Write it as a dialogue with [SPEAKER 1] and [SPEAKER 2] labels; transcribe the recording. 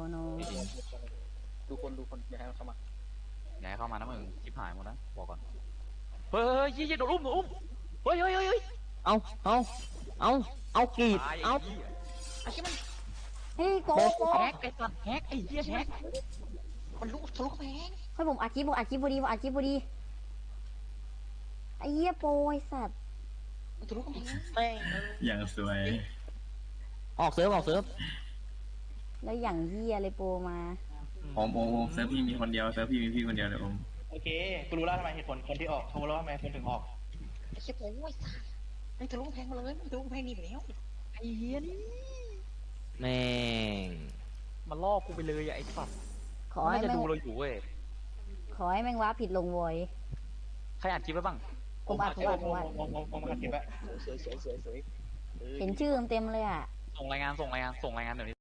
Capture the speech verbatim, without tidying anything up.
[SPEAKER 1] โน
[SPEAKER 2] ดูคนดูคนอย่าให้มันเข้ามา
[SPEAKER 3] อย่าให้เข้ามานะมึงชิบหายหมดนะบอกก่อนเฮ้ยเฮ้ยยี่ยี่โดนอุ้มโดนอุ้มเฮ้ยเฮ้ยเฮ้ย
[SPEAKER 4] เอาเอาเอาเอากรีดเอา
[SPEAKER 2] ไอ้ที่มัน
[SPEAKER 1] เฮ้ยโกโก
[SPEAKER 3] แฮกไอ้สัตว์แฮกไอ้เหี้ยแฮก
[SPEAKER 2] มันลุกทะลุกำแพง
[SPEAKER 1] เฮ้ยผมอัดคลิปผมอัดคลิปพอดีผมอัดคลิปพอดีไอ้เหี้ยโปรไอ้สัตว์
[SPEAKER 2] มันทะลุกำแพง
[SPEAKER 3] แม่ง
[SPEAKER 5] อย่างสวย
[SPEAKER 4] ออกเซิร์ฟออกเซิร์ฟ
[SPEAKER 1] แล้วอย่างเหี้ยเลยโปรมา
[SPEAKER 5] โอมโอมโอมเซิร์ฟพี่มีคนเดียวเซิร์ฟพี่มีพี่คนเดียวเลยโอม
[SPEAKER 6] โอเคกูรู้แล้วทำไมเหตุผลคนที่ออกรู้แล้วทำไมคนถึงออก
[SPEAKER 2] ไอ้เชี่ยโอ้ยมันทะลุกำแพงมาเลยมันทะลุกำแพงหนีไปแล้ว
[SPEAKER 3] ไอ้เหี้ยนี่
[SPEAKER 4] แม่ง
[SPEAKER 3] มันล่อกูไปเลยอะไอ้สัตว์
[SPEAKER 1] ขอ
[SPEAKER 3] มัน
[SPEAKER 1] ให้
[SPEAKER 3] น่าจะ
[SPEAKER 1] แม่ง
[SPEAKER 3] ดูเราอยู่เว้ย
[SPEAKER 1] ขอให้แม่งว้าผิดลงโวย
[SPEAKER 3] ใครอ่านคลิปไว้บ้าง
[SPEAKER 1] ผมอัดผมอัดผมอัด
[SPEAKER 6] มองมองมองมาเก็บอะ
[SPEAKER 2] สวยสวยสวยสวย
[SPEAKER 1] เห็นชื่อเต็มๆเลยอ่ะ
[SPEAKER 3] ส่งรายงานส่งรายงานส่งรายงานเดี๋ยวนี้